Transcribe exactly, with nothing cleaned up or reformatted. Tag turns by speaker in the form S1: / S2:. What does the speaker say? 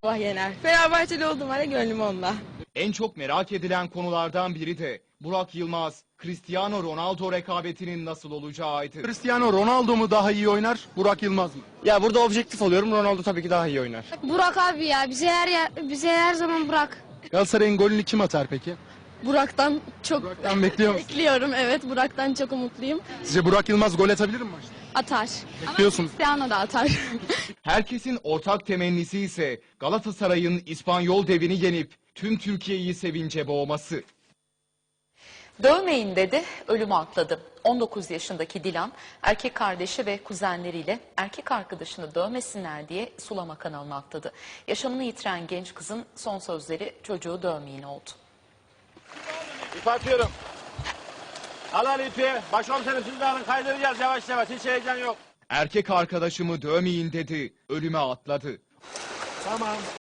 S1: Allah yener. Fenerbahçeli olduğum halde gönlüm onunla.
S2: En çok merak edilen konulardan biri de Burak Yılmaz, Cristiano Ronaldo rekabetinin nasıl olacağıydı.
S3: Cristiano Ronaldo mu daha iyi oynar, Burak Yılmaz mı?
S4: Ya burada objektif oluyorum. Ronaldo tabii ki daha iyi oynar.
S5: Burak abi ya bize her yer, bize her zaman Burak.
S3: Galatasaray'ın golünü kim atar peki?
S1: Burak'tan çok
S3: Burak'tan bekliyor musun?
S1: bekliyorum. Evet, Burak'tan çok umutluyum.
S3: Sizce Burak Yılmaz gol atabilir mi maçta?
S1: Atar.
S3: Bekliyorsun.
S1: Cristiano da atar.
S2: Herkesin ortak temennisi ise Galatasaray'ın İspanyol devini yenip tüm Türkiye'yi sevince boğması.
S6: Dövmeyin dedi, ölümü atladı. on dokuz yaşındaki Dilan, erkek kardeşi ve kuzenleriyle erkek arkadaşını dövmesinler diye sulama kanalına atladı. Yaşamını yitiren genç kızın son sözleri çocuğu dövmeyin oldu.
S7: İp atıyorum. Al al ipi. Başkomiserim siz de alın, kaydıracağız yavaş yavaş. Hiç heyecan yok.
S2: Erkek arkadaşımı dövmeyin dedi, ölüme atladı.
S7: Tamam.